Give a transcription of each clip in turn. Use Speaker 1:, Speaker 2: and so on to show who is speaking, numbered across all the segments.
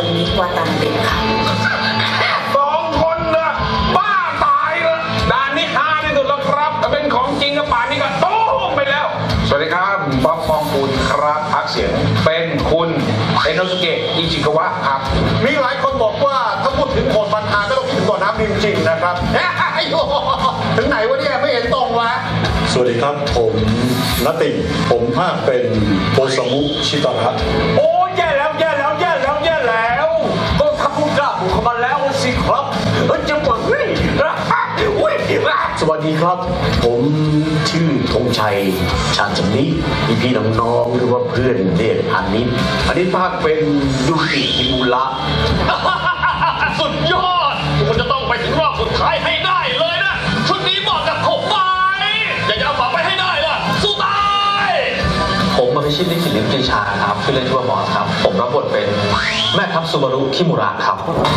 Speaker 1: คนนี้วาตานาเบะค่ะ
Speaker 2: สองคนนะบ้าตายละด่านนี้ฮาที่สุดแล้วครับถ้าเป็นของจริงกับป่านนี้ก็โต้มไปแล้วสวัสดีครับป๊อปปองกูลครับพักเสียงเป็นคุณเอโนสุเกะอิจิกาวะครับ
Speaker 3: มีหลายคนบอกว่าถ้าพูดถึงโหดมันฮาก็ต้องคิดถึงบ่อน้ำริมจริงนะครับถึงไหนวะเนี่ยไม่เห็นตรงวะ
Speaker 4: สวัสดีครับผมณติ่งผมภาคเป็นโอซามุชิตาระ
Speaker 2: โอ้แย่แล้วก็ถ้าพูดกล้าบุกเข้ามาแล้วสิครับจะบอกเฮ้ย
Speaker 5: สวัสดีครับผมชื่อธงชัยชาญสำนีพี่น้องๆหรือว่าเพื่อนเรียกอันนี้ภาคเป็นยุกิฮิมุระ
Speaker 6: สุดยอดคุณจะต้องไปถึงรอบสุดท้ายให้ได้เลยนะชุดนี้เหมาะกับผมไหมอยากจะเอาฝาไปให้ได้ล่ะสู้ตาย
Speaker 7: ผมมาพิชิตลิขิตลิมปรีชาครับชื่อเล่นชื่อว่าบอสครับผมรับบทเป็นแม่ทัพซูบารุคิมุระครับ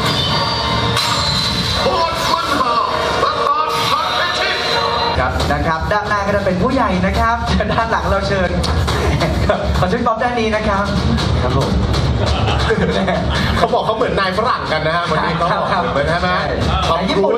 Speaker 8: ครับนะครับด้านหน้าก็จะเป็นผู้ใหญ่นะครับด้านหลังเราเชิญขอเชิญป๊อปด้านนี้นะครับครับผม
Speaker 3: เขาบอกเขาเหมือนนายฝรั่งกันนะฮะวันนี้เขาบอกเหมือนใช่ไหม
Speaker 8: นายญี่ปุ่น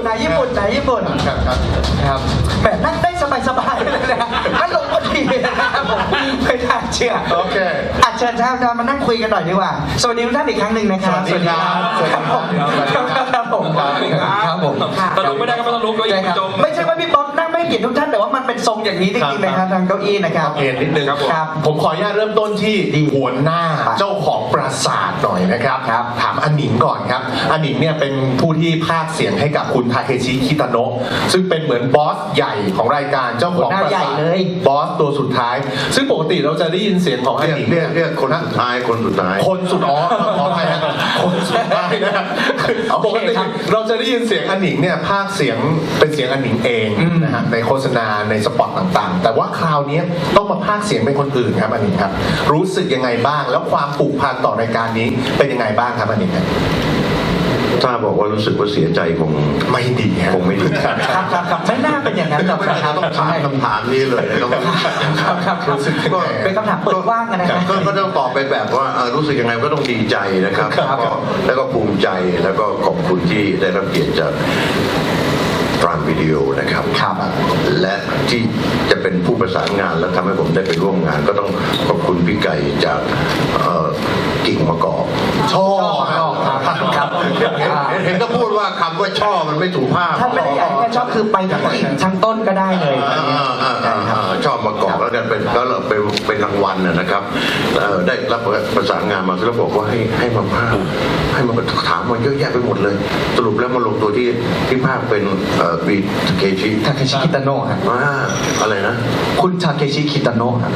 Speaker 8: ครับแบบนั่งได้สบายๆเลยนะนั่งลงพอดีนะครับผมไม่น่าเชื่อ
Speaker 3: โอเค
Speaker 8: เชิญท่านมานั่งคุยกันหน่อยดีกว่าสวัสดีทุกท่านอีกครั้งหนึ่งนะครับ
Speaker 3: สวัสดีครับ
Speaker 8: ครับผม
Speaker 2: ตลุกไม่ได้ก็ไม่ต้องลุกเลยจม
Speaker 8: ไม่ใช่ว่าพี่ป๊อปนั่งไม่เกียรติทุกท่านแต่ว่ามันเป็นทรงอย่างนี้จริงๆนะครับทางเก้าอี้นะครับ
Speaker 3: เอ็นนิดนึงครับผมขออนุญาตเริ่มต้นที่หัวหน้าเจ้าของปราสาทหน่อยนะครับถามอนิงก่อนครับอนิงเนี่ยเป็นผู้ที่พากย์เสียงให้กับคุณทาเคชิคิตาโนะซึ่งเป็นเหมือนบอสใหญ่ของรายการเจ้าของปราสาทบอสตัวสุดท้ายซึ่งปกติเราจะได้ยินเสียงของอนิง
Speaker 4: เรียกคนสุดท้ายคนสุดท้าย
Speaker 3: คนสุดขออภัยนะคนสุดท้ายนะครับปกติเราจะได้ยินเสียงอนิงเนี่ยพากย์เสียงเป็นเสียงอนิงเองนะฮะในโฆษณาในสปอตต่างๆแต่ว่าคราวนี้ต้องมาพากย์เสียงเป็นคนอื่นครับอนิงครับรู้สึกยังไงบ้างแล้วความผูกพันต่อรายการนี้เป็นยังไงบ้างครับอนิงครับ
Speaker 4: ถ้าบอกว่ารู้สึกว่าเสียใจคง
Speaker 3: ไม่ดี
Speaker 4: คงไม่ดี
Speaker 8: ครับไม่น่าเป็นอย่างนั้นหรอกครับ
Speaker 4: ต้องถามคำถามนี้เลย
Speaker 8: ครับก็เป็นคำถามเปิดกว้างกันนะครับ
Speaker 4: ก็ต้องตอบไปแบบว่ารู้สึกยังไงก็ต้องดีใจนะครับแล้วก็ภูมิใจแล้วก็ขอบคุณที่ได้รับเกียรติจากพรามวิดีโอนะครับและที่จะเป็นผู้ประสานงานและทำให้ผมได้ไปร่วมงานก็ต้องขอบคุณพี่ไก่จากกิ่งมะกอก
Speaker 3: ช่อ
Speaker 4: ครับเห็นก็พูดว่าคำว่าช่อมันไม่ถูกภาพ
Speaker 8: ท่านไม่ได้อยากให้ชอบคือไปกับกิ่งทั้งต้นก็ได้เลย
Speaker 4: ชอบมะกอกแล้วกันเป็นรางวัลนะครับได้รับประสานงานมาแล้วบอกว่าให้มาภาพให้มาถามมาเยอะแยะไปหมดเลยสรุปแล้วมาลงตัวที่ภาพเป็นบีทาเคชิ
Speaker 8: คิตาโนะครับ
Speaker 4: อะไรนะ
Speaker 8: คุณทาเคชิคิตาโนะครับ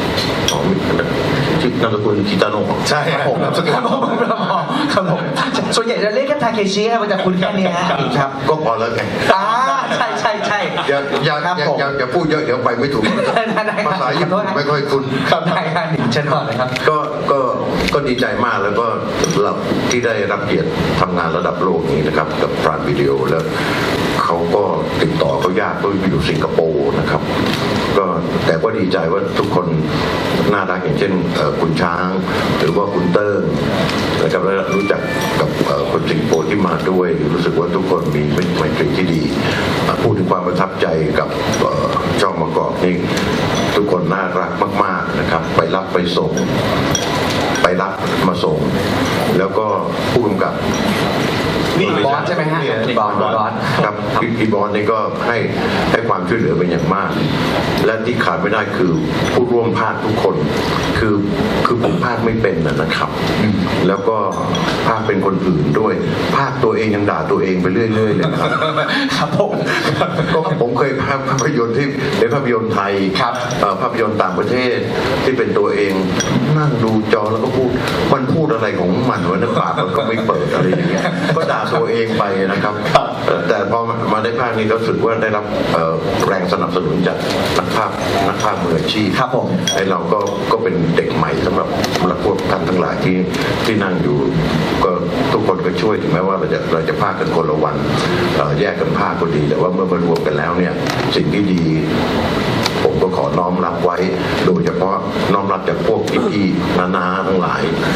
Speaker 4: ชื่อนามสกุลคิตาโนะ
Speaker 3: ใช่ผม
Speaker 8: ครับผมส่วนใหญ่จะเรียกกันทาเคชิครับมันจะคุ้นแค่นี้ครับ
Speaker 4: ก็พอแล้วไง
Speaker 8: ใช่
Speaker 4: อย่าพูดเยอะเดี๋ยวไปไม่ถูกภาษาญี่ปุ่นไม่ค่อยคุ้น
Speaker 8: ครับได้ครับหนึ่งเช่นก่อนเลยครับ
Speaker 4: ก็ดีใจมากแล้วก็ที่ได้รับเกียรติทำงานระดับโลกนี้นะครับกับพรามวิดีโอแล้วเขาก็ติดต่อเขายากก็อยู่สิงคโปร์นะครับก็แต่ก็ดีใจว่าทุกคนน่ารักอย่างเช่นคุณช้างหรือว่าคุณเติ้งนะครับแล้วรู้จักกับคนสิงคโปร์ที่มาด้วยรู้สึกว่าทุกคนมีไมตรีที่ดีพูดถึงความประทับใจกับช่องมะกอกนี่ทุกคนน่ารักมากๆนะครับไปรับไปส่งไปรับมาส่งแล้วก็ผู้กำกับ
Speaker 8: นี่บอสใช่ไหมฮะบอส
Speaker 4: ครับพี่บอสนี่ก็ให้ความช่วยเหลือเป็นอย่างมากและที่ขาดไม่ได้คือผู้ร่วมภาคทุกคนคือผมภาคไม่เป็นนะครับแล้วก็ภาคเป็นคนอื่นด้วยภาคตัวเองยังด่าตัวเองไปเรื่อยๆเลย
Speaker 8: ครับ
Speaker 4: ผมเคยภาคภาพยนตร์ที่เป็นภาพยนตร์ไทยภาพยนตร์ต่างประเทศที่เป็นตัวเองนั่งดูจอแล้วก็มันพูดอะไรของมันวะนะปากมันก็ไม่เปิดอะไรอย่างเงี้ยก็ด่าตัวเองไปนะครับแต่พอมาได้ภาคนี้ก็รู้สึกว่าได้รับแรงสนับสนุนจากนักภาคมืออาชีพ
Speaker 8: ครับผม
Speaker 4: ไอ้เราก็เป็นเด็กใหม่สำหรับพวกท่านทั้งหลายที่นั่งอยู่ก็ทุกคนก็ช่วยถึงแม้ว่าเราจะภาคกันคนละวันแยกกันภาคก็ดีแต่ว่าเมื่อมารวมกันแล้วเนี่ยสิ่งที่ดีผมก็ขอน้อมรับไว้โดยเฉพาะน้อมรับจากพวกพี่ๆนาๆทั้งหลาย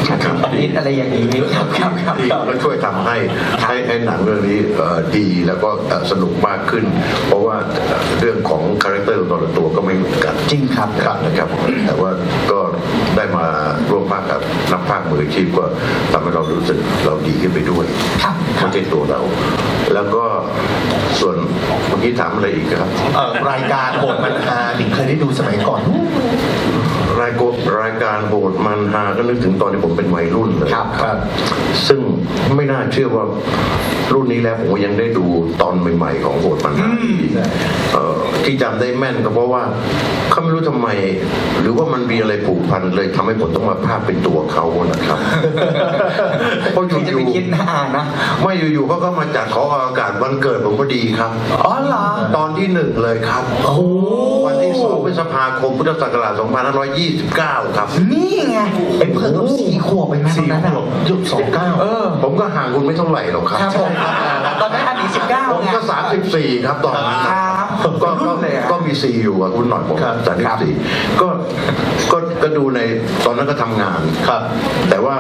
Speaker 8: นิดอะไรอย่างนี้ครับครับครับ
Speaker 4: ที่ก็ช่วยทำให้หนังเรื่องนี้ดีแล้วก็สนุกมากขึ้น เพราะว่าเรื่องของคาแรคเตอร์แต่ละตัวก็ไม่เหมือนกัน
Speaker 8: จริงครับ
Speaker 4: นะครับแต่ว่าก็ได้มาร่วมภาคกับนักภาคมืออาชีพก็ทำให้เรารู้สึกเราดีขึ้นไปด้วย
Speaker 8: ครับ
Speaker 4: ไม่ใช่ตัวเรา แล้วก็ส่วนเมื่อกี้ถามอะไรอีกครับ
Speaker 3: รายการโหดมันฮาหนิงเคยได้ดูสมัยก่อน
Speaker 4: รายการโหดมันฮาก็นึกถึงตอนที่ผมเป็นวัยรุ่นเลย
Speaker 8: ครับ
Speaker 4: ซึ่งไม่น่าเชื่อว่ารุ่นนี้แล้วผมก็ยังได้ดูตอนใหม่ๆของโหดมันฮาที่จำได้แม่นก็เพราะว่าเขาไม่รู้ทำไม หรือว่ามันมีอะไรผูกพันเลยทำให้ผมต้องมาภาพเป็นตัวเขานะครับ เพราะอ
Speaker 8: ใครจะไป
Speaker 4: ยู่
Speaker 8: คิดนะนะ
Speaker 4: ๆไม่อยู่ๆเขาก็มาจัดขออากาศวันเกิดผมพอดีครับ
Speaker 8: อ๋อเหรอ
Speaker 4: ตอนที่ 1 เลยครับวันที่2พฤษภาคมพุทธศักราช2529 ครับ
Speaker 8: นี่ไงไอ้เพิ่งกับ4 ขวบไปไหมตอนนั้น
Speaker 3: 4 ขวบยุค29
Speaker 4: ผมก็ห่างคุณไม่เท่าไหร่หรอกครับ
Speaker 8: ครับผมตอนนั้นอันนี้
Speaker 4: ผม
Speaker 8: 19ไง
Speaker 4: ก็34ครับตอนนั้น
Speaker 8: ครับ
Speaker 4: ก็
Speaker 8: รุ่นเลยอะ
Speaker 4: ก็มีซีอยู่กับคุณหน่อยผม
Speaker 3: ครับ
Speaker 4: 34ก็ดูในตอนนั้นก็ทำงาน
Speaker 3: ครับ
Speaker 4: แต่ว่า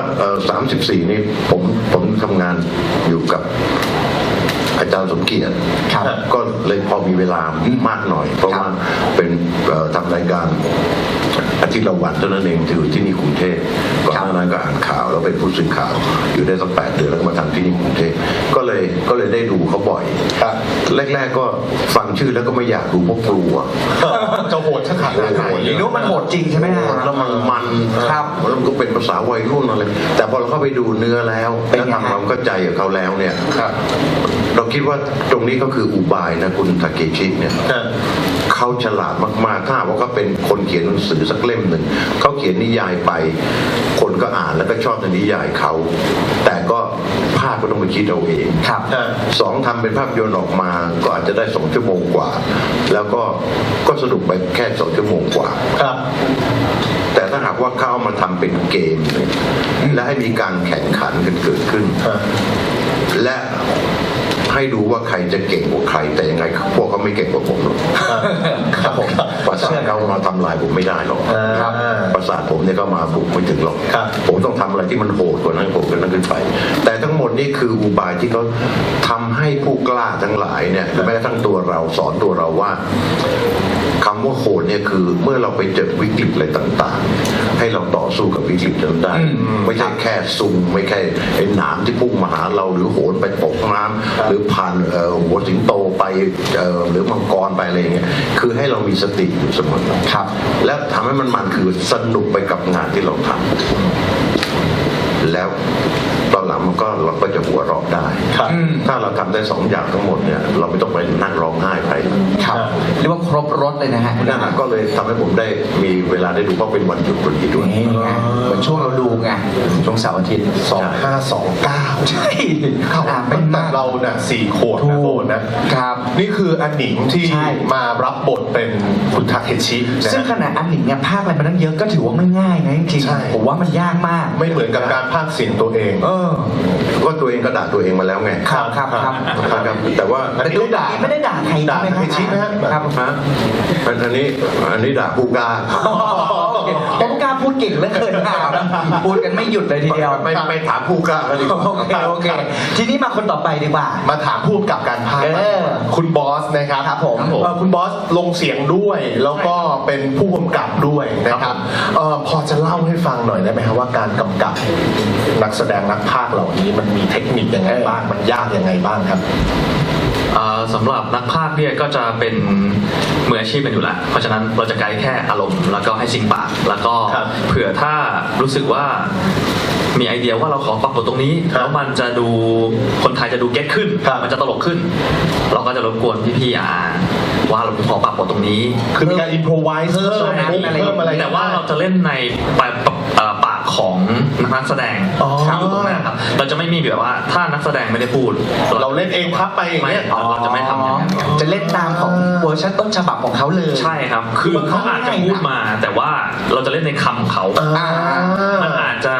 Speaker 4: 34นี่ผมทำงานอยู่กับอาจารย์สมเกียรติ
Speaker 8: ครับ
Speaker 4: ก็เลยพอมีเวลามากหน่อย เพราะว่าเป็นทำรายการอาทิตย์ละวันเท่านั้นเองที่อยู่ที่นี่กรุงเทพก่อนหน้านั้นก็อ่านข่าวแล้วเป็นผู้สื่อข่าวอยู่ได้สัก8 เดือนแล้วก็มาทำที่นี่กรุงเทพก็เลยได้ดูเขาบ่อย
Speaker 3: ครับ
Speaker 4: แรกๆก็ฟังชื่อแล้วก็ไม่อยากดูเพราะกลัว
Speaker 3: จะโหดขนาดไหน
Speaker 8: หรือว่ามันโหดจริงใช่ไหมฮะ
Speaker 4: แล้วมัน
Speaker 8: ครับ
Speaker 4: แล้วมันก็เป็นภาษาวัยรุ่นอะไรแต่พอเราเข้าไปดูเนื้อแล้ว
Speaker 8: เป็น
Speaker 4: แล้ว
Speaker 8: ไงฮะ
Speaker 4: ทำความเข้าใจกับเขาแล้วเนี่ย
Speaker 3: ครับ
Speaker 4: เราคิดว่าตรงนี้ก็คืออุบายนะคุณทาเกชิเนี่ย
Speaker 3: ครับ
Speaker 4: เขาฉลาดมากๆถ้าหากว่าเขาเป็นคนเขียนหนังสือสักเล่มหนึ่งเขาเขียนนิยายไป คนก็อ่านแล้วก็ชอบในนิยายเขา แต่ก็ภาพก็ต้องไปคิดเอาเอง
Speaker 8: ครับ
Speaker 4: 2ทำเป็นภาพยนตร์ออกมาก็อาจจะได้2 ชั่วโมงกว่า แล้วก็สนุกไปแค่2 ชั่วโมงกว่า
Speaker 3: ครับ
Speaker 4: แต่ถ้าหากว่าเขาเอามาทำเป็นเกมเนี่ยและให้มีการแข่งขันกันเกิดขึ้น และให้ดูว่าใครจะเก่งกว่าใคร แต่ยังไงพวกเขาไม่เก่งกว่าผมหรอก
Speaker 3: ครับผม
Speaker 4: ประสาทเขามาทำลายผมไม่ได้หรอก
Speaker 3: ครับ
Speaker 4: ประสาทผมเนี่ยก็มาบุกไม่ถึงหรอก
Speaker 3: ครับ
Speaker 4: ผมต้องทำอะไรที่มันโหดกว่านั้นผมกันนั้นขึ้นไป แต่ทั้งหมดนี่คืออุบายที่เขาทำให้ผู้กล้าทั้งหลายเนี่ยแม้กระทั่งตัวเราสอนตัวเราว่าคำว่าโหดเนี่ยคือเมื่อเราไปเจอวิกฤตอะไรต่างๆ ให้เราต่อสู้กับวิกฤตนั้นได้ ไม่ใช่แค่ซุ่มไม่ใช่ไอ้หนามที่พุ่งมาหาเราหรือโหนไปตกน้ำหรือผ่านหัวสิงโตไปหรือมังกรไปอะไรอย่างเงี้ยคือให้เรามีสติอยู่เสมอ
Speaker 8: ครับ
Speaker 4: และทำให้มันคือสนุกไปกับงานที่เราทำแล้วตอนหลังเราก็จะหัวเราะได้
Speaker 3: ครับ
Speaker 4: ถ้าเราทำได้2 อย่างทั้งหมดเนี่ยเราไม่ต้องไปนั่งร้องไห้ไป
Speaker 8: ครับเรียกว่าครบรถเลยนะฮะ
Speaker 4: นั่นนะก็เลยทำให้ผมได้มีเวลาได้ดูเพราะเป็นวันหยุดพอดีด้วย
Speaker 8: นี่ไงเหมือนช่วงเราดูไงช่วงเสาร์อาทิตย์
Speaker 3: 2529
Speaker 8: ใช่
Speaker 3: เข้า
Speaker 8: อ่า
Speaker 3: ตั้
Speaker 8: เป็น
Speaker 3: งแต่
Speaker 8: มาก
Speaker 3: เราน่ะ4 ขวบนะโบนนะ
Speaker 8: ครับ
Speaker 3: นี่คืออันหนิงที่
Speaker 8: ใช่
Speaker 3: มารับบทเป็นคุณทาเคชินะ
Speaker 8: ซึ่งขนาดอันหนิงเนี่ยภาคอะไรมาตั้งเยอะก็ถือว่าไม่ง่ายนะจริง
Speaker 3: ใช่
Speaker 8: ๆผมว่ามันยากมาก
Speaker 3: ไม่เหมือนกับการพากย์เสียงตัวเอง
Speaker 4: ก็ตัวเองก็ด่าตัวเองมาแล้วไง
Speaker 8: ครับครับครับ
Speaker 4: ครับแต่ว่า
Speaker 8: แต่ดูด่าไม่ได้ด่าใคร
Speaker 3: ด่า
Speaker 8: ใช่ไหม
Speaker 3: ทาเคชินะฮะ
Speaker 8: ครับ
Speaker 4: ฮะอันนี้ด่าผู้กล้า
Speaker 8: โอเคผมกล้าพูดเก่งเหลือเกินครับพูดกันไม่หยุดเลยทีเดียว
Speaker 4: ไม่ถามผู้กล้ากันดีกว่า
Speaker 8: โอเคทีนี้มาคนต่อไปดีกว่า
Speaker 3: มาถามผู้กำกับการพากย์
Speaker 8: เออ
Speaker 3: คุณบอสนะครับ
Speaker 8: ครับผม
Speaker 3: คุณบอสลงเสียงด้วย แล้วก็เป็นผู้กำกับด้วยนะครับพอจะเล่าให้ฟังหน่อยได้ไหมครับว่าการกำกับนักแสดงนักพากย์เหล่านี้มันมีเทคนิคยังไงบ้างมันยากยังไงบ้างครับ
Speaker 7: สำหรับนักพากย์เนี่ยก็จะเป็นมืออาชีพกันอยู่แล้ว เพราะฉะนั้นเราจะไกด์แค่อารมณ์แล้วก็ให้ซิงปากแล้วก็
Speaker 3: ครับ
Speaker 7: เผื่อถ้ารู้สึกว่ามีไอเดียว่าเราขอปรับบทตรงนี้
Speaker 3: ครับ
Speaker 7: แล้วมันจะดูคนไทยจะดูเก็ตขึ้น
Speaker 3: ครับ
Speaker 7: มันจะตลกขึ้น เราก็จะรบกวนพี่ๆว่าเราขอปรับบทตรงนี้
Speaker 3: คือมีการอินโพรไวส์เพิ่ม
Speaker 8: ใช่
Speaker 3: เพิ่มอะไร
Speaker 7: แต่ว่าเราจะเล่นในปากของนักแสดง
Speaker 3: อ๋อ
Speaker 7: อยู่ตรงนั้นครับเราจะไม่มีแบบว่าถ้านักแสดงไม่ได้พูด
Speaker 3: เราเล่นเองพับไปอย่าง
Speaker 7: ไม่
Speaker 3: เงี้ย
Speaker 7: เราจะไม่ทำอย่างนั้น
Speaker 8: จะเล่นตามของเวอร์ชันต้นฉบับของเขาเลย
Speaker 7: ใช่ครับ คือเขาอาจจะพูดมา แต่ว่าเราจะเล่นในคำของเขา
Speaker 3: อ่า
Speaker 7: มันอาจจะ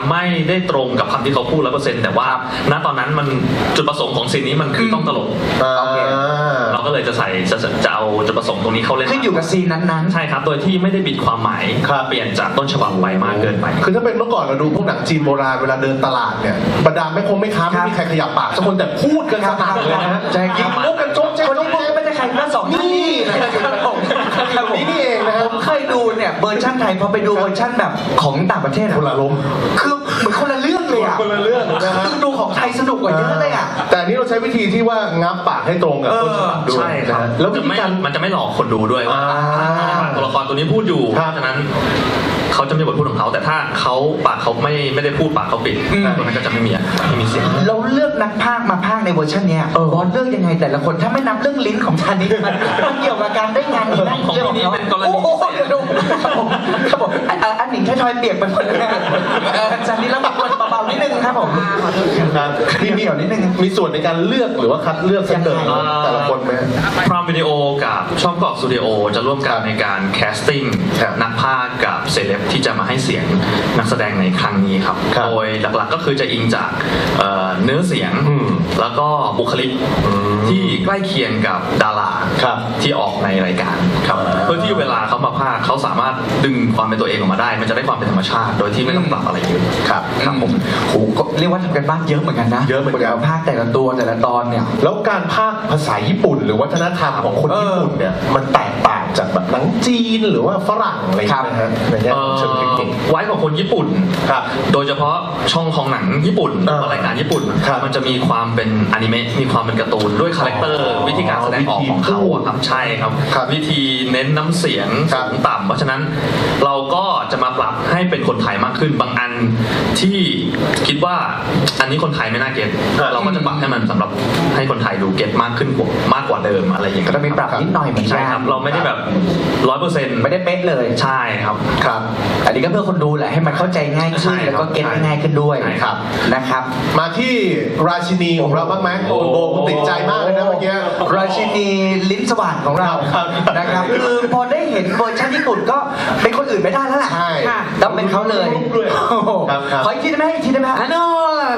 Speaker 7: ไม่ได้ตรงกับคำที่เขาพูด100%แต่ว่าณตอนนั้นมันจุดประสงค์ของซีนนี้มันคือต้องตลก
Speaker 8: โอเค
Speaker 7: เราก็เลยจะเอาจุดประสงค์ตรงนี้เข้าเล่น
Speaker 8: ขึ้นอยู่กับซีนนั้น
Speaker 7: ใช่ครับโดยที่ไม่ได้บิดความหมาย
Speaker 3: ครับ
Speaker 7: เปลี่ยนจากต้นฉบับไปมากเกินไป
Speaker 3: คือถ้าเป็นเมื่อก่อนเราดูพวกหนังจีนโบราณเวลาเดินตลาดเนี่ยบรรดาแม่ค้าไม่มีใครขยับปากสักคนแต่พูดกันสนั่นเลยนะฮะ
Speaker 8: ใช่ค
Speaker 3: ยิ
Speaker 8: รับ
Speaker 3: งมุกกันโจ๊กแจ๊ก
Speaker 8: คนที่พูดก็ไม่ใช่ใครทั้งสองท่านนี่นะครับผม
Speaker 3: นี่เองนะฮะ
Speaker 8: ผมเคยดูเนี่ยเวอร์ชันไทยพอไปดูเวอร์ชันแบบของต่างประเทศอะ
Speaker 3: คนละลม
Speaker 8: คือเหมือนคนละเรื่องเลยอะ
Speaker 3: คนละเรื่องนะฮะ
Speaker 8: คือดูของไทยสนุกกว่าเยอะเลยอะ
Speaker 3: แต่อันนี้เราใช้วิธีที่ว่างับปากให้ตรงกับต้นฉบับด้วย
Speaker 7: ใช่ครับ
Speaker 3: นะฮะแล้ววิธีการ
Speaker 7: มันจะไม่หลอกคนดูด้วยว่า ตัวละครตัวนี้พูดอยู่
Speaker 3: ครับ
Speaker 7: เพราะฉะนั้นเขาจะมีบทพูดของเขาแต่ถ้าเขาปากเขาไม่ได้พูดปากเขาปิดตัวนั้นก็จะไม่มีเสียง
Speaker 8: เราเลือกนักพากย์มาพากย์ในเวอร์ชันเนี้ยบอสเลือกยังไงแต่ละคนถ้าไม่นับเรื่องลิ้นของชานิดมันเกี่ยวกับการได้งานนี้นะ
Speaker 7: ของพี่นี่เป็นกรณี
Speaker 8: โอ้โหเดี๋ยวดูครับผมอันหนิงแค่ทอยเปียกไปหมดเลยชานิดแล้วแบบเบาๆนิดนึงครับผม
Speaker 3: ครับ
Speaker 8: มีเดี่ยวนิดนึง
Speaker 3: มีส่วนในการเลือกหรือว่าคัดเลือกเสนอแต่ละคนไหม
Speaker 7: พรามวิดีโอกับช่องกรอบสตูดิโอจะร่วมกันในการแคสติ้ง
Speaker 3: ครับ
Speaker 7: นักพากย์กับเซเลบที่จะมาให้เสียงนักแสดงในครั้งนี้ครับ
Speaker 3: ครับ
Speaker 7: โดยหลักๆก็คือจะอิงจากเนื้อเสียง
Speaker 3: อืม
Speaker 7: แล้วก็บุคลิกที่ใกล้เคียงกับดารา
Speaker 3: ครับ
Speaker 7: ที่ออกในรายการครับเพื่อที่เวลาเขามาพากย์เขาสามารถดึงความเป็นตัวเองออกมาได้ มันจะได้ความเป็นธรรมชาติ โดยที่ไม่ต้องปรับอะไรเยอะ
Speaker 3: ครับ
Speaker 8: ครับผมโหก็เรียกว่าทำกันบ้านเยอะเหมือนกันนะ
Speaker 3: เยอะเหมือนกัน
Speaker 8: ภาคแต่ละตัวแต่ละตอนเนี่ย
Speaker 3: แล้วการพากย์ภาษาญี่ปุ่น หรือวัฒนธรรมของคนญี่ปุ่นเนี่ยมันแตกต่างจากแบบหนังจีนหรือว่าฝรั่งอะไรอย่างเงี้ยนะฮะในแง่ของเชิงเทคนิค
Speaker 7: ไว้ของคนญี่ปุ่น
Speaker 3: ครับ
Speaker 7: โดยเฉพาะช่องของหนังญี่ปุ่น
Speaker 3: อ่า
Speaker 7: หรือรายการญี่ปุ่น
Speaker 3: ครับ
Speaker 7: มันจะมีความเป็นอนิเมะมีความเป็นการ์ตูนด้วยคาแรคเตอร์วิธีการแสดงออกของเขาอะครับใช่ครับ
Speaker 3: ครับ
Speaker 7: วิธีเน้นน้ำเสียง
Speaker 3: ครับ
Speaker 7: สูงต่ำเพราะฉะนั้นเราก็จะมาปรับให้เป็นคนไทยมากขึ้นบางอันที่คิดว่าอันนี้คนไทยไม่น่าเก็ตเราก็จะปรับให้มันสำหรับให้คนไทยดูเก็ตมากขึ้นมากกว่าเดิมอะไรอย่างเงี้ย
Speaker 8: ก็ต้องมีปรับนิดหน่อยเหมือน
Speaker 7: ใช่
Speaker 8: กัน
Speaker 7: ครับเราไม่ได้แบบ100%
Speaker 8: ไม่ได้เป๊ะเลย
Speaker 7: ใช่ครับ
Speaker 3: ครับ
Speaker 8: อันนี้ก็เพื่อคนดูแหละให้มันเข้าใจง่ายขึ้น
Speaker 7: ใช่ครับ
Speaker 8: แล้วก็เก็ตได้ง่ายขึ้นด้วย
Speaker 7: ใช่ครับ
Speaker 8: นะครับ
Speaker 3: มาที่ราชินีของเราบ้างไหมโอ้โหคุณติดใจมากเลยนะเมื่อกี้
Speaker 8: ราชินีลิ้นสว่างของเรา
Speaker 3: ครับ
Speaker 8: นะครับ คือพอได้เห็นเวอร์ชันญี่ปุ่นก็เป็นคนอื่นไม่ได้แล้วแหละ
Speaker 3: ใช่
Speaker 8: ค่ะต้องเป็นเขาเลย
Speaker 3: ด้วย
Speaker 8: โอ้โห
Speaker 3: ครับครับ
Speaker 8: ขออีกทีได้ไหมอีกทีได้ไหมอันนู้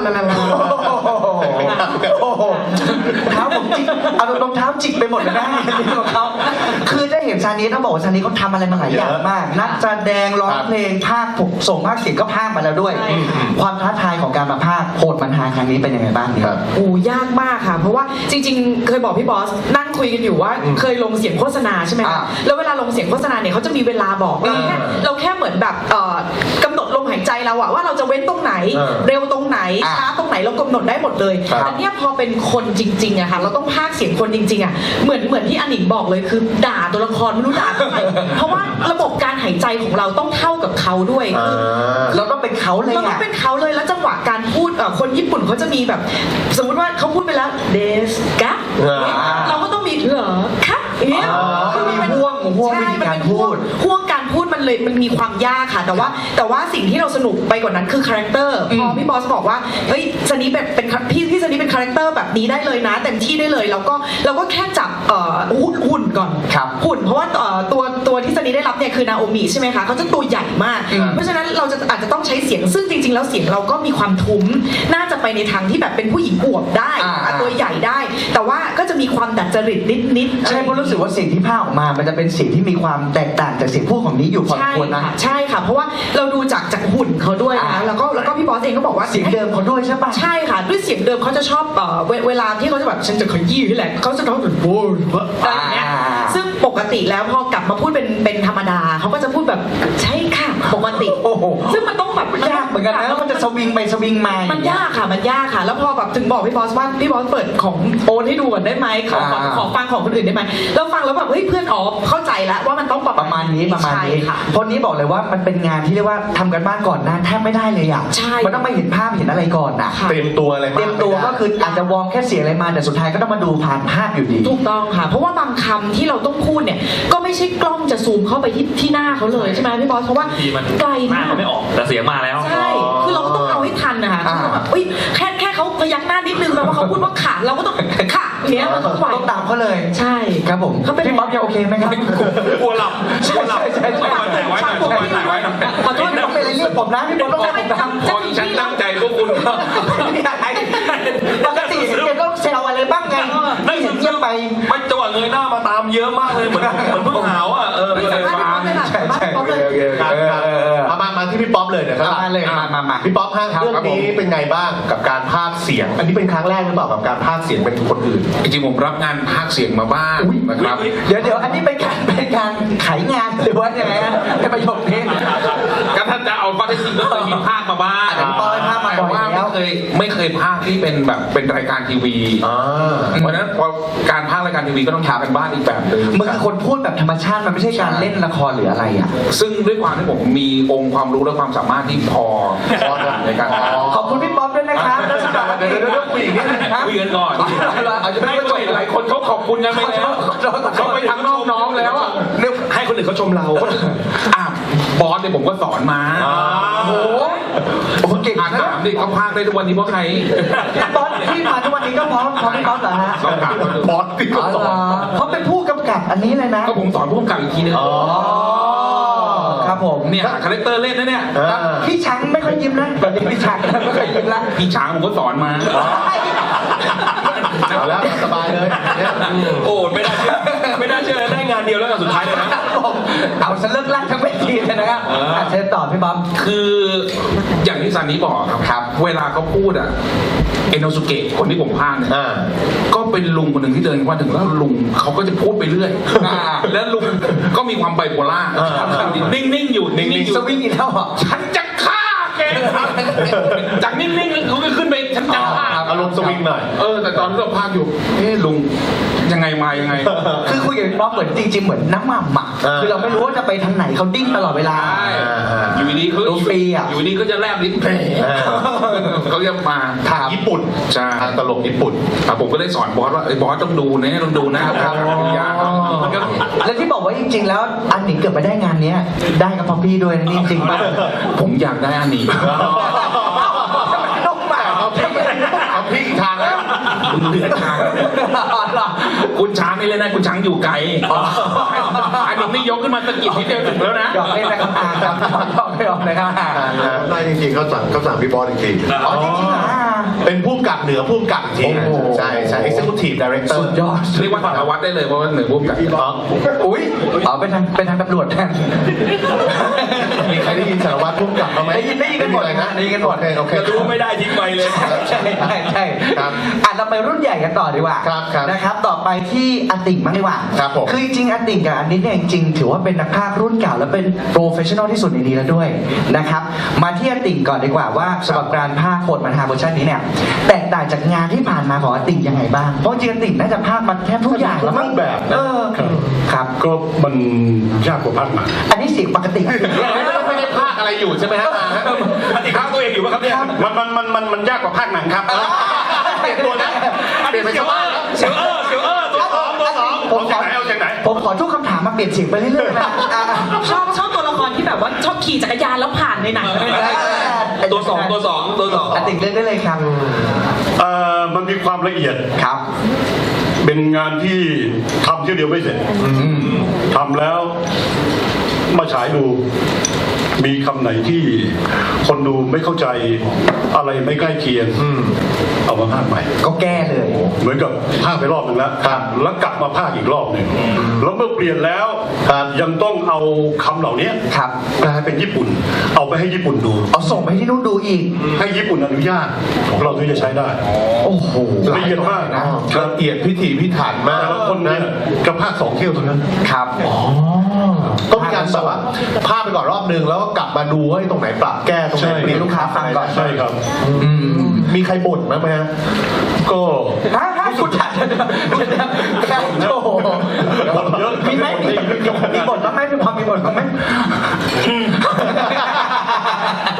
Speaker 8: โอ้โหเท้าผมจิกเอารองเท้าจิกไปหมดเลยนะของเขาคือได้เห็นซานีต้องบอกว่าซานีเขาทำอะไรมาหลายอย่างมาก นักแสดงร้องเพลงภาคผมส่งภาคเสียงก็ภาคมาแล้วด้วย ความท้าทายของการมาภาคโหดมันหาครั้งนี้เป็นยังไงบ้างเนี่ย
Speaker 1: โอ้ยากมากค่ะ เพราะว่าจริงๆ เคยบอกพี่บอสนั่งคุยกันอยู่ว่าเคยลงเสียงโฆษณาใช่ไหม
Speaker 8: อ่า
Speaker 1: คะแล้วเวลาลงเสียงโฆษณาเนี่ยเขาจะมีเวลาบอกเราแค่เหมือนแบบกำหนดลมหายใจเราอะว่าเราจะเว้นตรงไหน เร็วตรงไหนช้าตรงไหนเรากำหนดได้หมดเลย
Speaker 3: ครับ
Speaker 1: แต่เนี่ยพอเป็นคนจริงๆอะค่ะเราต้องพากย์เสียงคนจริงๆอะเหมือนที่อันหนิงบอกเลยคือด่าตัวละครไม่รู้ด่าทำไมเพราะว่าระบบการหายใจของเราต้องเท่ากับเขาด้วย
Speaker 3: อ่า
Speaker 8: เราต้องเป็นเขาเลย
Speaker 1: เราต้อ
Speaker 8: อ่ะ
Speaker 1: งเป็นเขาเลยแล้วจังหวะการพูดคนญี่ปุ่นเขาจะมีแบบ สมมติว่าเขาพูดไปแล้วเดสกะ เราก็ต้องมีเหรอคะอย่างเงี้ย
Speaker 8: คือมีห่วงวิ
Speaker 1: ใช่
Speaker 8: ธี
Speaker 1: มัน
Speaker 8: การ
Speaker 1: เป็น
Speaker 8: พูด
Speaker 1: ห่วงการพูดมันเลยมันมีความยากค่ะ แต่ว่าสิ่งที่เราสนุกไปกว่านั้นคือคาแรคเตอร์พอพี่บอสบอกว่าเฮ้ยซันนี่เป็นพี่ซันนี่เป็นคาแรคเตอร์แบบนี้ได้เลยนะเต็มที่ได้เลยเราก็แค่จับหุ่นก่อน
Speaker 8: ครับ
Speaker 1: หุ่นเพราะว่าตัวที่ซันนี่ได้รับเนี่ยคือนาโอมิใช่ไหมคะเขาจะตัวใหญ่มาก เพราะฉะนั้นเราอาจจะต้องใช้เสียงซึ่งจริง ๆ แล้วเสียงเราก็มีความทุ้มน่าจะไปในทางที่แบบเป็นผู้หญิงอวบได้ตัวใหญ่ได้ แต่ว่าก็จะมีความดัดจริตนิดๆ
Speaker 8: ใช่เพราะรู้สึกว่าเสียงที่พากย์ออกมามันจะเป็นเสียงที่มีความแตกต่างจากเสียงพูดของนี้อยู่พอสมควรนะ
Speaker 1: ใช่ค่ะเพราะว่าเราดูจากหุ่นเขาด้วยนะแล้วก็พี่บอสเองก็บอกว่า
Speaker 8: เสียงเดิมเขาด้วยใช่ปะ
Speaker 1: ใช่ค่ะด้วยเสียงเดิมเขาจะชอบเวลาที่เขาจะแบบฉันจะขยี้นี่แหละเขาจะร้องแบบโว้ยอะไรอย่างเงี้ยซึ่งปกติแล้วพอกลับมาพูดเป็นธรรมดาเขาก็จะพูดแบบใช่ค่ะปกติ
Speaker 8: โอ้โห
Speaker 1: ซึ่งมันต้องแบบ
Speaker 8: ยากเหมือนกันนะแล้วมันจะสวิงไปสวิงมา
Speaker 1: มันยากค่ะมันยากค่ะ แล้วพอแบบถึงบอกพี่บอสว่าพี่บอสเปิดของโอนให้ดูก่อนได้ไหมขอฟังของคนอื่นได้ไหมแล้วฟังแล้วแบบเฮ้ยเพื่อนอ๋อเข้าใจแล้วว่ามันต้องประมาณนี้
Speaker 8: ประมาณนี้
Speaker 1: ใช่ค่ะ
Speaker 8: เพราะนี้บอกเลยว่ามันเป็นงานที่เรียกว่าทำกันบ้านก่อนนะแทบไม่ได้เลยอ่ะ
Speaker 1: ใช่
Speaker 8: มันต้องมาเห็นภาพเห็นอะไรก่อนอ่ะ
Speaker 1: ค่ะ
Speaker 3: เตรียมตัวอะไรมาก
Speaker 8: เตรียมตัวก็คืออาจจะวอร์มแค่เสียงอะไรมาแต่สุดท้ายก็ต้องมาดูผ่านภาพอยู่ดี
Speaker 1: ถูกต้องค่ะ เพราะว่าบางคำที่เราต้องพูดเนี่ยก็ไม่ใช่กล้องจะซูมเข้าไปที่หน้าเขาเลยใช่ไหมพี่บอสเพราะว่า
Speaker 7: ทีมัน
Speaker 1: ไกล
Speaker 7: หน้าม
Speaker 1: าก
Speaker 7: เขาไม่ออกแต่เสียงมาแล้ว
Speaker 1: ใช่คือเราก็ต้องเอาให้ทันนะคะคือแบบอุ๊ยแค่เขาพยักหน้านิดนึงแปลว่าเขาพูดว่าขาเราก็ต้องขาเนี้ยมันต้องไหว
Speaker 8: ต้องตามเขาเลย
Speaker 1: ใช่
Speaker 8: ครับผม
Speaker 1: เขาเป็น
Speaker 8: พี่ป๊อปยังโอเคไหมครับ
Speaker 7: กลัวหลับกลัวหลับ
Speaker 8: ใช่ใช่
Speaker 7: แต่ไว้หน่อยแต่ไว้หน่อย
Speaker 1: ขอโทษ
Speaker 8: ต้องเป็นอะไรเรียกผมนะพี่ป๊อปต้องเรียกผมนะ
Speaker 2: พอฉันตั้งใจพวกคุณ
Speaker 8: ปกติแกต้องแซวอะไรบ้างไงไม่เห็นเงียบไป
Speaker 7: ไม่จังหวะเงยหน้ามาตามเยอะมากเลยเหมือนเพิ่งหาวอ่ะ
Speaker 1: ไม่สามารถพี่ป๊อปเลยค่ะ
Speaker 8: ใช่ใช่
Speaker 1: ป๊อปเลย
Speaker 3: ครับมาที่พี่ป๊อปเลยเดี๋ยวครับ
Speaker 8: มาเลยมา
Speaker 3: พี่ป๊อปฮะเรื่องนี้เป็นไงบ้างกับการพากย์เสียง อันนี้เป็นครั้งแรกหรือเปล่ากับการพากย์เสียงเป็นคนอื่น
Speaker 2: จริงๆผมรับงานพากย์เสียงมาบ้างนะครับ
Speaker 8: เดี๋ยวอันนี้เป็นการขายงานหรือว่ายังไงฮะในประโยคนี้
Speaker 2: ก็ถ้าจะเอาข้อเท็จจริงก็เคยมีภาคมาบ้าง
Speaker 8: อันนี้ปอยภาคมาบ่
Speaker 2: แต่
Speaker 8: อย
Speaker 2: ว่า
Speaker 8: แล้ว
Speaker 2: ไม่เคยภาคที่เป็นแบบเป็นรายการทีวี เพราะฉะนั้นพอการภาครายการทีวีก็ต้องทำกันบ้านอีกแบบหนึง
Speaker 8: มันคือคนพูดแบบธรรมชาติมันไม่ใช่การเล่นละครหรืออะไรอ่ะ
Speaker 2: ซึ่งด้วยความที่ผมมีองค์ความรู้และความสามารถที่พอในการภาค
Speaker 8: ขอบคุณพี่ป๊อปด้วยนะครับแล้วสำหรับ
Speaker 3: เดี๋ยวคุยอีกนิดนึงครับ
Speaker 2: คุยกันก่อน
Speaker 8: เอาจะไม่
Speaker 2: ไม่
Speaker 8: จบ
Speaker 2: หลายคนเขาขอบคุณกันไปแล้วเขาไปทางน้องๆแล้วอะเนี่ยให้คนอื่นเขาชมเราอ่ะบอสเนี่ยผมก็สอนมา
Speaker 8: โอ้โหเก่ง
Speaker 2: อ่าน
Speaker 8: นะ
Speaker 2: ถามดิเขาพากได้ทุกวันนี้เพราะใคร
Speaker 8: พี่ป๊อปที่มาทุกวันนี้ก็เพราะพี่ป๊อปเหรอฮะ
Speaker 2: ต้องถามเขาดู
Speaker 3: บอสที่
Speaker 8: อ๋อ
Speaker 3: สอ
Speaker 8: เหร
Speaker 3: น
Speaker 8: อเขาเป็นผู้กำกับอันนี้เลยนะ
Speaker 2: ก็ผมสอนผู้กำกับอีกทีนึง
Speaker 8: อ๋อครับผม
Speaker 2: เนี่ยหาคาแรคเตอร์เล่นนะเนี่ย
Speaker 8: พี่ช้างไม่ค่อยยิ้มนะแบบนี้พี่ช้างไม่ค่อยยิ้มละ
Speaker 2: พี่ช้างผมก็สอนมา
Speaker 3: เอาแล้วสบายเลยเนี่ย
Speaker 7: โอ้ไม่น่าเชื่อไม่น่าเชื่อได้งานเดียวแล้วกันสุดท้ายเลยนะ
Speaker 8: เอาซะเลิกลั่นทั้งเวทีเลยนะครับเชิญต่อพี่บ๊อบ
Speaker 2: คืออย่างที่ซันนี้บอกครับ เวลาเขาพูดอะเอโนสุเกะคนที่ผมพากย์เนี่ย ก็เป็นลุงคนหนึ่งที่เดินมาถึงแล้วลุงเขาก็จะพูดไปเรื่อย แล้วลุงก็มีความไบโพล่านิ่งๆอยู่นิ่งๆอยู่
Speaker 8: สวิงอีกแล้วเหรอ
Speaker 2: ฉันจะฆ่าแกจากนิ่งๆเขาก็ขึ้นไปฉันจะฆ่า
Speaker 3: อารมณ์สวิงหน่อย
Speaker 2: แต่ตอนที่เราพากย์อยู่ลุงยังไงมายังไง
Speaker 8: คือคุยกับพี่บ๊อบเหมือนจริงๆเหมือนน้ำหม่ำอ่ะคือเราไม่รู้ว่าจะไปทางไหนเขาดิ้นตลอดเวลา
Speaker 2: ใช่อยู่ดีเขา
Speaker 8: ดูฟรีอะ
Speaker 2: อยู่ดีก็จะแลบลิ้นแผลเขาจะมา
Speaker 3: ทางญี่ปุ่น
Speaker 2: ใช่
Speaker 3: ทางตลกญี่ปุ่น
Speaker 2: ผมก็ได้สอนบอสว่าไอ้บอสต้องดูนะต้องดูนะครับอย่า
Speaker 8: และที่บอกว่าจริงๆแล้วอันหนิงเกือบไปได้งานเนี้ยได้กับพ่อพี่ด้วยนะนี่จริงป่ะ
Speaker 2: ผมอยากได้อันนี้
Speaker 8: ลูกหมา
Speaker 3: เอาพี่อีกทางแล้ว
Speaker 2: คุณเลือกทางคุณช้างไม่เล่นนะคุณช้างอยู่ไกลอันนี้ไม่ยกขึ้นมาตะกิดนิดเดียวถึงแล้วนะ
Speaker 8: หยอกเล่นนะครับครับหยอกไม่หยอกนะครับ
Speaker 4: ได้จริงๆเขาสั่งพี่บอสจริงๆ
Speaker 8: อ๋อจริงๆเหรอ
Speaker 3: เป็นผู้กำกับเหนือผู้กำกับอีกที
Speaker 8: โอ้โห
Speaker 3: ใช่ใช่ executive director
Speaker 8: สุดยอด
Speaker 2: เรียกว่าสารวัตรได้เลยเพราะว่าเหนือพุ่มกับ
Speaker 8: อุ้ยเอาเป็นทางตำรวจแทน
Speaker 3: มีใครได้ยินสารวัตรผู้กำกับบ้างไหม
Speaker 8: ได้ยินกันหมด
Speaker 3: อะไรนะ
Speaker 8: ได้ยินกันหมด
Speaker 3: โอเค
Speaker 7: รู้ไม่ได้ทิ้งไปเลย
Speaker 8: ใช่
Speaker 3: ครับ
Speaker 8: เราไปรุ่นใหญ่กันต่อดีกว่า
Speaker 3: ครับ
Speaker 8: นะครับ ต่อไปที่อาติ่งบ้างดีกว่า
Speaker 3: ครับผม
Speaker 8: คือจริงๆอาติ่งกับอันนี้เนี่ยจริงๆถือว่าเป็นนักพากย์รุ่นเก่าและเป็นโปรเฟชชั่นอลที่สุดในนี้แล้วด้วยนะครับ มาที่อาติ่งก่อนดีกว่าว่าสำหรับการพากย์โหดมันฮาเวอร์ชันนี้เนี่ยแตกต่างจากงานที่ผ่านมาของอาติ่งยังไงบ้าง เพราะจริงๆอาติ่งน่าจะพากย์มาแทบทุกอย่างแล้วมั้ง
Speaker 3: ทุกแบบนะ
Speaker 8: ครับ
Speaker 9: ก็มันยากกว่าภาคหนัง
Speaker 8: อันนี้เสียงปกติ
Speaker 3: ไม่ได้พากอะไรอยู่ใช่ไหมฮะ
Speaker 7: อันนี้ข้างตัวเองอยู่ป่ะครับเนี่ย
Speaker 9: มันยากกว่าภาคหนังครับ
Speaker 3: เปลี่ยนตัวนะเปลี่ยนเป็นชาวบ้านแล้ว
Speaker 7: เสียวตัวสอง
Speaker 8: ผมขอ
Speaker 9: เอาจากไหน
Speaker 8: ผมขอทุกคำถามมาเปลี่ยนเสียงไปเรื่อยๆนะ
Speaker 1: ชอบตัวละครที่แบบว่าชอบขี่จักรยานแล้วผ่านในหนัง
Speaker 7: ตัวสอง
Speaker 8: อาติ่งเลือกได้เลยครับ
Speaker 9: มันมีความละเอียด
Speaker 8: ครับ
Speaker 9: เป็นงานที่ทำเที่ยวเดียวไม่เสร็จทำแล้วมาฉายดู มีคำไหนที่คนดูไม่เข้าใจอะไรไม่ใกล้เคียงเอามาพากย์ใหม่
Speaker 8: ก็แก้เลย
Speaker 9: เหมือนกับพากย์ไปรอบหนึ่งแล้วแล้วกลับมาพากย์อีกรอบหนึ่งแล้วเมื่อเปลี่ยนแล้วยังต้องเอาคำเหล่านี้
Speaker 8: ครับ
Speaker 9: แปลเป็นญี่ปุ่น เอาไปให้ญี่ปุ่นดู
Speaker 8: เอาส่งไปที่นู่นดูอีก
Speaker 9: ให้ญี่ปุ่นอนุญาตเราถึงจะใช้ได้
Speaker 8: โอ้โห
Speaker 9: ละเอียดมากนะ
Speaker 3: ละเอียดพิถีพิถันมาก
Speaker 9: แต่ละคนเนี่ยกระพากย์2 เที่ยวเท่านั้น
Speaker 8: ครับ
Speaker 3: ต้องมีการแบบว่าพากไปก่อนรอบนึงแล้วก็กลับมาดูว่าตรงไหนปรับแก้ตรงไหน
Speaker 9: ใช่
Speaker 3: เปลี่ยนลูกค้าฟังก่อน
Speaker 9: ใช่ครับ
Speaker 3: มีใครบ่นบ้างไหมฮะ
Speaker 9: ก็
Speaker 8: ฮะคุณจัดโอ้โห
Speaker 9: เยอะ
Speaker 8: มีไหมมีบทบ้างไหมมีความมีบทบ้างไหม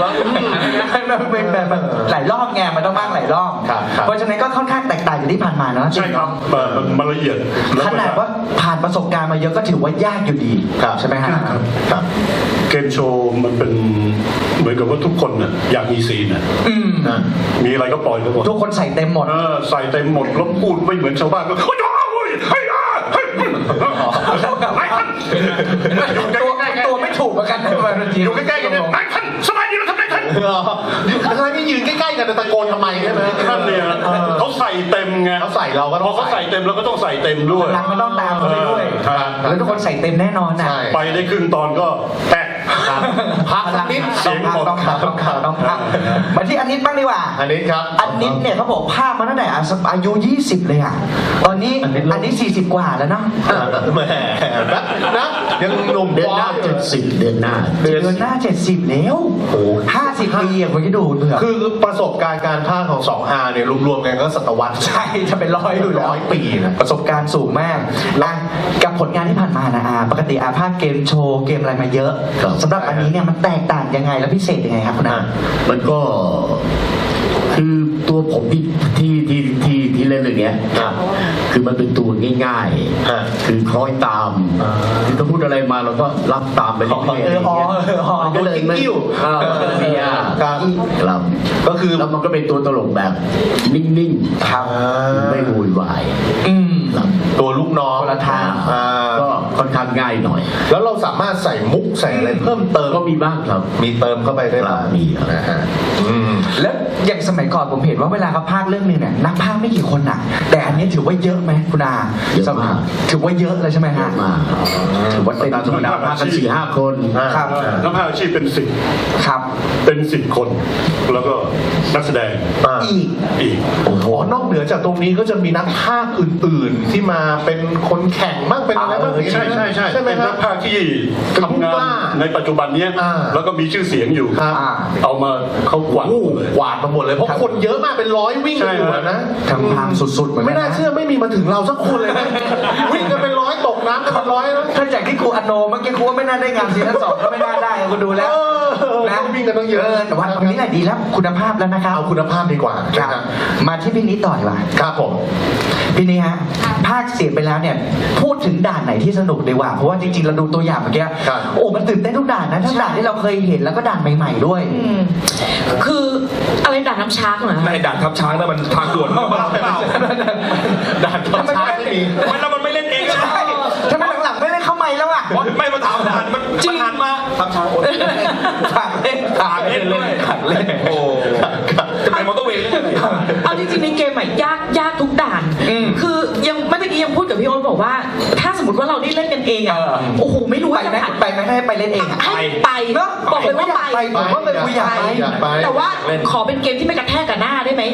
Speaker 8: มันเป็นแบบหลายรอบไงมันต้องมากหลายรอบ
Speaker 3: ครับ
Speaker 8: เพราะฉะนั้นก็ค่อนข้างแตกต่างจากที่ผ่านมาเนาะ
Speaker 9: ใช่ครับมันละเอียดแล้ว
Speaker 8: ข
Speaker 9: ก็
Speaker 8: นาดว่าผ่านประสบการณ์มาเยอะก็ถือว่ายากอยู่ดี
Speaker 3: ครับ
Speaker 8: ใช่ไหมฮะ
Speaker 3: ครับ
Speaker 9: เกมโชว์มันเป็นเหมือนกับว่าทุกคนน่ะอยากมีซีนน่ะ
Speaker 3: นะ
Speaker 9: มีอะไรก็ปล่อยไปหมด
Speaker 8: ทุกคนใส่เต็มหมด
Speaker 9: ใส่เต็มหมดแล้วพูดไม่เหมือนชาวบ้านก็เฮ้ยเฮ้ยเฮ้ยไอ้ท่าน
Speaker 8: ตัวไม่ถูกเหมือนกันนะบางที
Speaker 3: อยู่ใกล้ๆกันเนี่ย
Speaker 9: ไอ้ท่านสบายดีแล้วทำไมท่าน
Speaker 3: ทำไมไม่ยืนใกล้ๆกันแต่ตะโกนทำไมใช่ไหม
Speaker 9: ท่านเนี่ยเขาใส่เต็มไง
Speaker 3: เขาใส่เราก็
Speaker 9: พอเขาใส่เต็มเราก็ต้องใส่เต็มด้วย
Speaker 8: พลังมันต้องตามเขาไปด้วย
Speaker 9: ครับ
Speaker 8: แล้วทุกคนใส่เต็มแน่นอนนะ
Speaker 3: ใช่
Speaker 9: ไปได้ครึ่งตอนก็แตก
Speaker 3: พักสักนิด
Speaker 9: เสียงหมด
Speaker 8: ต้องพักมาที่อันนิดบ้างดีกว่า
Speaker 3: อันนี้ครับ
Speaker 8: อันนิดเนี่ยเขาบอกภาคมาตั้งแต่อายุ 20 เลยอ่ะตอนนี้อันนี้40 กว่าแล้วเนาะ
Speaker 3: แหมนะยังหนุ่ม
Speaker 5: เดือนหน้า
Speaker 3: อยู่
Speaker 5: 70 เดือนหน้า
Speaker 8: เดือนหน้า 70 แล้วโอ้50 ปีอ่ะคุณคิดดูเผื่อ
Speaker 3: คือประสบการณ์การพากย์ของ2 R เนี่ยรวมๆกันก็ศตวรรษ
Speaker 8: ใช่จะเป็น100อยู่แล้ว
Speaker 3: 100 ปีนะ
Speaker 8: ประสบการณ์สูงมากนะกับผลงานที่ผ่านมานะปกติภาคเกมโชว์เกมอะไรมาเยอะ
Speaker 5: ครับ
Speaker 8: สำหรับอันนี้เนี่ยมันแตกต่างยังไงและพิเศษยังไงครับคุณอา
Speaker 5: มันก็คือตัวผมที่เล่นเรื่องเนี้ย
Speaker 3: ครับ
Speaker 5: คือมันเป็นตัวง่าย
Speaker 3: ฮะ
Speaker 5: ๆ คือคล้อยตามคือถ้าพูดอะไรมาเราก็รับตามไปเรื่อยๆอะไรอย่างเงี้ยมันก็เลยไม่
Speaker 3: กิ้ว
Speaker 5: ไม่ยาก
Speaker 3: ครับ
Speaker 5: ครับ
Speaker 3: ก็คือ
Speaker 5: แล้วมันก็เป็นตัวตลกแบบนิ่งๆ
Speaker 3: ครับ
Speaker 5: ไม่โวยวาย ครับ
Speaker 3: ตัวลูกน้อง
Speaker 8: คนละทาง
Speaker 3: อ่า
Speaker 5: ก็ค่อนข้างง่ายหน่อย
Speaker 3: แล้วเราสามารถใส่มุกใส่อะไรเพิ่มเติม
Speaker 5: ก็มีบ้างครับ
Speaker 3: มีเติมเข้าไปได้บ้าง
Speaker 5: มีครับ
Speaker 3: นะฮะอืม
Speaker 8: แล้วอย่างสมัยก่อนผมเห็นว่าเวลาเขาพากย์เรื่องนึงเนี่ยนักพากย์ไม่กี่คนน่ะ แต่อันนี้ถือว่าเยอะไหมคุณอา
Speaker 5: เยอะมาก
Speaker 8: ถือว่าเยอะเลยใช่ไหม
Speaker 5: เย
Speaker 8: ฮะ
Speaker 5: อะมากถือว่าเป็นธรรมดามากกัน4-5 คน
Speaker 8: ครับ
Speaker 9: นักพากย์อาชีพเป็นสิบ
Speaker 8: ครับ
Speaker 9: เป็น10 คน แล้วก็นักแสดง
Speaker 8: อีก
Speaker 9: อีก
Speaker 3: อ๋อนอกเหนือจากตรงนี้ก็จะมีนักพากย์อื่นๆ ที่มาเป็นคนแข่งบ้างเป็นอะไรบ้าง
Speaker 9: ใช่ใช่ใช่
Speaker 3: ใช่ไหม
Speaker 9: เป็น
Speaker 3: ครั
Speaker 9: นั
Speaker 3: บ
Speaker 9: กพากย์ที่ทำงานในปัจจุบันเนี้ย
Speaker 3: อ่า
Speaker 9: แล้วก็มีชื่อเสียงอยู่
Speaker 3: ครับ
Speaker 9: เอามาเขากวาด
Speaker 3: โอ้
Speaker 9: เลย
Speaker 3: กวาดมาหมดเลยเพราะคนเยอะมากเป็น100วิ่งกันอยู่นะ
Speaker 8: ทำทางสุดๆเหมือนกั
Speaker 3: ไม่
Speaker 8: น
Speaker 3: น่า
Speaker 8: นะ
Speaker 3: เชื่อไม่มีมาถึงเราสักคนเลยนะ วิ่งกันเป็น100ตกน้ำกันเป็น100นะ
Speaker 8: ถ้าจากที่ครูอโนเมื่อกี้ครูว่าไม่น่าได้งานซีซั่น2ก็ไม่น่าได้คุณดูแล้ว
Speaker 3: นะ
Speaker 8: นะ
Speaker 3: วิ่งกันต้องเยอะ
Speaker 8: แต่ว่าตรงนี้แหละดีแล้วคุณภาพแล้วนะครับ
Speaker 3: เอาคุณภาพดีกว่า
Speaker 8: ครับ
Speaker 3: นะฮะ
Speaker 8: มาที่พี่นิดต่อดีกว่า
Speaker 3: ครับผม
Speaker 8: พี่นี่ฮะภาคเสียงไปแล้วเนี่ยพูดถึงด่านไหนที่สนุกดีกว่าเพราะว่าจริงๆเราดูตัวอย่างเมื่อกี้
Speaker 3: ครับ
Speaker 8: โอ้มันตื่นเต้นทุกด่านนะทั้งด่านที่เราเคยเห็นแล้วก็ด่านใหม่ๆด้วย
Speaker 1: คืออะไรด่านน้ำช้างเหรอ
Speaker 6: ในด่านทับช้างนั่นมันทางด่วนหรือเปล่า
Speaker 3: ด่านทับช้างไม่มี
Speaker 6: มันแล้วมันไม่เล่นเองนะ
Speaker 8: ทำไมหลังๆไม่ได้เข้าใหม่แล้วอ่ะ
Speaker 6: ไม่มาถามด่านมันหันมาทับช้างโอน
Speaker 8: ฝากเล่น
Speaker 6: ฝากเล่นด้วย
Speaker 8: ฝากเล่น
Speaker 6: โอ้จะไปมอเตอร์เวย์เล่นอะไร
Speaker 1: เอาจริงๆในเกมอะยากทุกด่าน คือยังเมื่อกี้ยังพูดกับพี่โอ๊ตบอกว่า ถ้าสมมติว่าเราได้เล่นกันเองอะโอ้โหไม่รู้
Speaker 8: ไป
Speaker 1: ว่าจะ
Speaker 8: ไหม
Speaker 1: ผ่าน
Speaker 8: ไปไหมให้ไปเล่นเองอะ
Speaker 1: ให้ไป
Speaker 8: เนอะ
Speaker 1: บอกเลยว่าไป
Speaker 8: ผมว่าเป็นกูอยากไป
Speaker 3: อยากไป
Speaker 1: แต่ว่าขอเป็นเกมที่ไม่กระแทกกับหน้าได้ไหม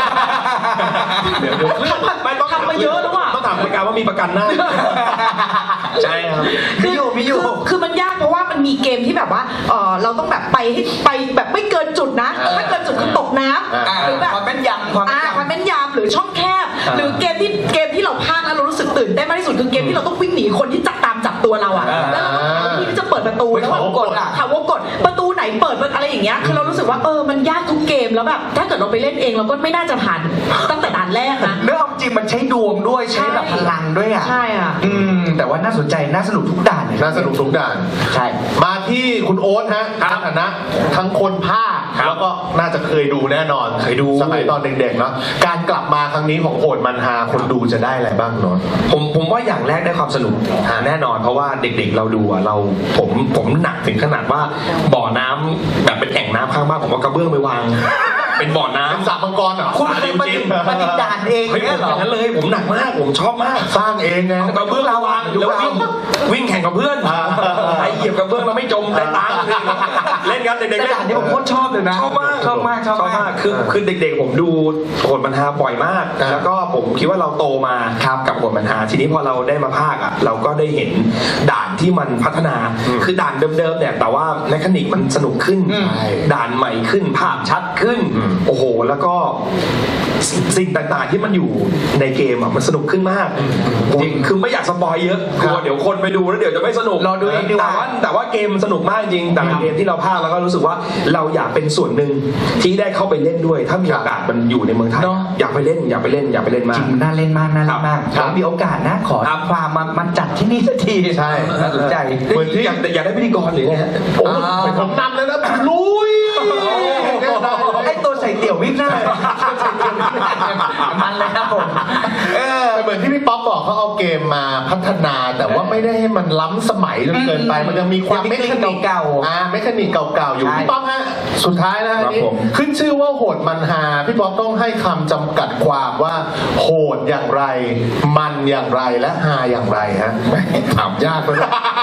Speaker 1: ทำมาเยอะแล้วอะ
Speaker 6: ต้องถามรายการว่ามีประกันหน้าใช่ครับ
Speaker 8: มีอยู่
Speaker 1: คือมันยากเพราะว่ามันมีเกมที่แบบว่าเราต้องแบบไปให้ไปแบบไม่เกินจุดนะ ถ้าเกินจุดคือตกน้ำหรือแบบ
Speaker 8: ความแม่นยำความแม่นยำ
Speaker 1: ความแม่นยำหรือช่องแคบ หรือเกมที่เราพลาดแล้วเรารู้สึกตื่นเต้นมากที่สุดคือเกมที่เราต้องวิ่งหนีคนที่ตามจับตัวเราอะแล้วเราต้องหาวิธีที่จะเปิดประตูแล้ว
Speaker 8: เขาวงกดอะ
Speaker 1: วงกดประตูไหนเปิดอะไรอย่างเงี้ยคือเรารู้สึกว่ามันยากทุกเกมแล้วแบบถ้าเกิดเราไปเล่นเองเราก็ไม่น่าจะผ่านตั้งแต่ด่านแรกนะ
Speaker 8: เรื่องจริงมันใช้ดวงด้วยใช้แบบพลังด้วยอ่ะ
Speaker 1: ใช่อ่ะ
Speaker 8: แต่ว่าน่าสนใจน่าสนุกทุกด่านเลย
Speaker 3: น่าสนุกทุกด่าน
Speaker 8: ใช่
Speaker 3: มาที่คุณโอ๊ตฮะในฐานะทั้งคนภาคแล้วก็น่าจะเคยดูแน่นอน
Speaker 6: เคยดู
Speaker 3: สมัยตอนเด็กๆเนาะการกลับมาครั้งนี้ของโหดมันฮาคนดูจะได้อะไรบ้างเนาะ
Speaker 6: ผมว่าอย่างแรกได้ความสนุกแน่นอนเพราะว่าเด็กๆเราดูอะผมหนักถึงขนาดว่าบ่อน้ำแบบเป็นแอ่งน้ำข้างบ้านผมก็กระเบื้องไปวาง เป็นบ่อน้ำ
Speaker 3: เป็นสระมังกรเหรอ
Speaker 8: คุณคือปฏิด่านเอง
Speaker 6: เฮ้ย
Speaker 8: เนี่ยเหรอ
Speaker 6: อย่างนั้นเลยผมหนักมากผมชอบมาก
Speaker 3: สร้างเองไง
Speaker 6: เอากระเบื้องเราวางแล้ววิ่งแข่งกับเพื่อนใครเหยียบกระเบื้องแล้วไม่จมได้ตังค์เล่นกันเด็กๆ
Speaker 8: แต่
Speaker 6: เล่น
Speaker 8: ด่านนี้ผมโคตรชอบเลยนะ
Speaker 6: ชอบมาก
Speaker 8: ชอบมากชอบมาก
Speaker 6: คือเด็กๆผมดูโหดมันฮาบ่อยมาก แล้วก็ผมคิดว่าเราโตมากับโหดมันฮาทีนี้พอเราได้มาภาคอ่ะเราก็ได้เห็นด่านที่มันพัฒนาคือด่านเดิมๆเนี่ยแต่ว่าแมคานิกมันสนุกขึ้นด่านใหม่ขึ้นภาพชัดขึ้นโอ้โหแล้วก็สิ่งต่างๆที่มันอยู่ในเกมอ่ะมันสนุกขึ้นมากจริงคือไม่อยากสปอยเยอะกลัวเดี๋ยวคนไปดูแล้วเดี๋ยวจะไม่สนุก
Speaker 8: รอดูเองดีกว่า
Speaker 6: แต่ว่าเกมมันสนุกมากจริงแต่ละเกมที่เราพากย์แล้วก็รู้สึกว่าเราอยากเป็นส่วนหนึ่งที่ได้เข้าไปเล่นด้วย ถ้ามีโอกาสมันอยู่ในเมืองไทยอยากไปเล่นอยากไปเล่นมาก
Speaker 8: จริงน่าเล่นมากน่าเล่นมาก
Speaker 6: ครับ
Speaker 8: มีโอกาสนะขอ
Speaker 6: ครับ
Speaker 8: ความมาจัดที่นี่สักที
Speaker 3: ใช่
Speaker 8: น่าสนใจ
Speaker 3: เหมือนที่
Speaker 6: อยากได้พิธีกรหรือไงฮะ
Speaker 3: โอ้ยผมนำเลยนะลุย
Speaker 8: ไอ้ตัวใส่เตี่ยววิ่งหน้ามันเลยครับผม
Speaker 3: แต่เหมือนที่พี่ป๊อปบอกเขาเอาเกมมาพัฒนา แต่ว่าไม่ได้ให้มันล้ำสมัยจนเกินไป มันยังมีความ
Speaker 8: ยังมี
Speaker 3: เมคานิก
Speaker 8: เก่าๆ
Speaker 3: เมคานิกเก่าๆอยู่
Speaker 8: ใช่
Speaker 3: พี่ป๊อปฮะสุดท้ายนะอันนี้
Speaker 6: ครับผม
Speaker 3: ขึ้นชื่อว่าโหดมันฮาพี่ป๊อปต้องให้คำจำกัดความว่าโหดอย่างไร มันอย่างไรและฮาอย่างไรฮะถามยากเลย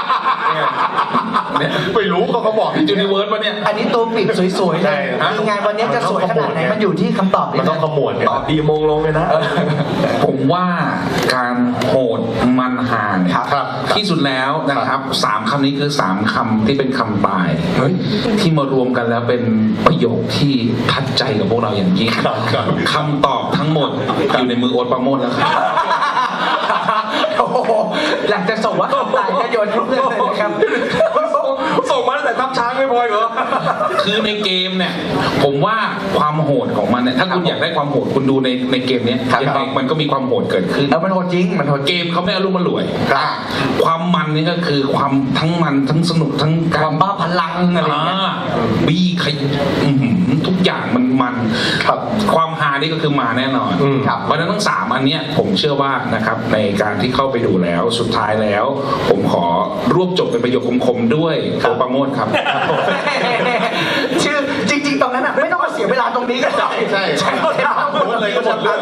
Speaker 3: ไม่รู้เขาบอกที่จูนิเวิร์สมาเนี่ย
Speaker 8: อันนี้ตัวปิดสวยๆเล
Speaker 3: ใช่
Speaker 8: ย
Speaker 3: ฮะ
Speaker 8: คืองานวันนี้จะสวยขนาดไหนมันอยู่ที่คำตอบ
Speaker 3: มันต้องขมวดเนี่ย
Speaker 6: ตอบดีมงลงเลยนะ
Speaker 2: ผมว่าการโหดมันห่าง
Speaker 3: ครับ
Speaker 2: ที่สุดแล้วนะครับสามคำนี้คือสามคำที่เป็นคำตายที่มารวมกันแล้วเป็นประโยคที่ทัดใจกับพวกเราอย่างยิ่ง
Speaker 3: ครับครับ
Speaker 2: คำตอบทั้งหมดอยู่ในมือโอ๊ตปราโมชแล้วครับ
Speaker 8: โอ้โหหลังจากส่งว่าคำตายก็โยนให้เพื่อนเลยนะครับ
Speaker 6: ส่งมาตั้งแต่ทับช้างไม่พอเหรอ
Speaker 2: คือในเกมเนี่ยผมว่าความโหดของมันเนี่ยถ้าคุณอยากได้ความโหดคุณดูในเกมเนี้ย
Speaker 8: ครับ
Speaker 2: ยังไงมันก็มีความโหดเกิดขึ้น
Speaker 8: แล้วมันโหดจริงมันโหดจริง
Speaker 2: เกมเขาไม่อารมณ์มารวย
Speaker 3: ครับ
Speaker 2: ความมันนี่ก็คือความทั้งมันทั้งสนุกทั้ง
Speaker 8: ความบ้าพลังอะไรอย่างเงี้ย
Speaker 2: บี้ขยทุกอย่างมัน
Speaker 3: ครับ
Speaker 2: ความฮานี่ก็คือมาแน่นอน
Speaker 3: ครับ
Speaker 2: เพราะฉะนั้นทั้งสามอันเนี้ยผมเชื่อว่านะครับในการที่เข้าไปดูแล้วสุดท้ายแล้ว ผมขอรวบจบเป็นประโยคคมๆด้วยโอประโมทครับ
Speaker 8: ชื่อจริง ๆ ตรงนั้นอ่ะไม่ต้องมาเสียเวลาตรงนี้ก็ได้
Speaker 3: ใช่
Speaker 8: ใช่
Speaker 3: โหดเลยก็หมดเรื่อง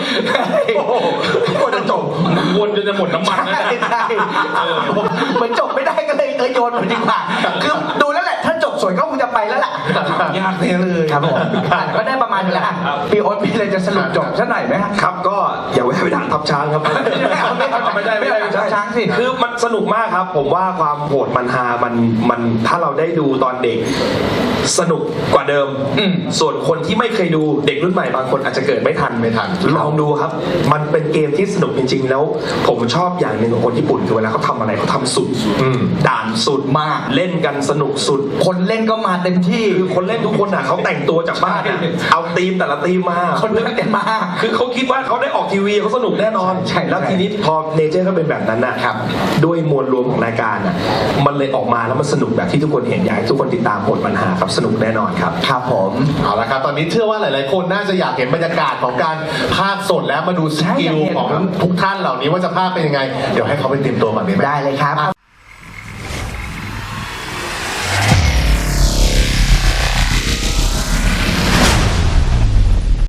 Speaker 6: ควรจะจบ
Speaker 2: วนจนจะหมดน้ำมันนะ
Speaker 8: ใช่ใช่เหมือนจบไม่ได้ก็เลยโยนมันดีกว่าคือดูแล้วแหละถ้าจบสวยก็คงจะไปแล้วแหละ
Speaker 2: ยากเลย
Speaker 8: ครับผมก็ได้ประมาณนี้แหละพี่โอ๊ตมีอะไรจะสรุปจบสักหน่อยไหมฮะ
Speaker 6: ครับก็อย่าแวะไปด่าทับช้างครับ
Speaker 8: ไม่ได้ทับช้างสิ
Speaker 6: คือมันสนุกมากครับ ผมว่าความโหดมันฮามันถ้าเราได้ดูตอนเด็กสนุกกว่าเดิมส่วนคนที่ไม่เคยดูเด็กรุ่นใหม่บางคนอาจจะเกิดไม่ทันลองดูครับ มันเป็นเกมที่สนุกจริงๆแล้ว ผมชอบอย่างหนึ่งของคนญี่ปุ่นคือเวลาเขาทำอะไรเขาทำสุดด่านสุดมากเล่นกันสนุกสุด
Speaker 8: คนเล่นก็มาเต็มที่
Speaker 6: คือคนเล่นทุกคนอ่ะเขาแต่งตัวจากบ้านอะเอาธีมแต่ละธีมมา
Speaker 8: คนเล่นกันมา
Speaker 6: คือเขาคิดว่าเขาได้ออกทีวีเขาสนุกแน่นอน
Speaker 8: ใช่
Speaker 6: แล้วทีนี้พอเนเจอร์ก็เป็นแบบนั้นนะครับด้วยมวลรวมของรายการอ่ะมันเลยออกมาแล้วมันสนุกแบบที่ทุกคนเห็นอยากให้ทุกคนติดตามโหดมันหาครับสนุกแน่นอนครับ
Speaker 8: ครับผม
Speaker 3: เอาละครับ ตอนนี้เชื่อว่าหลาย ๆ คนน่าจะอยากเห็นบรรยากาศของการพากย์สดแล้วมาดูสกิลของทุกท่านเหล่านี้ว่าจะพากย์เป็นยังไง เดี๋ยวให้เขาไปเตรียมตัวก่อนดีไหม
Speaker 8: ได้เลยครับ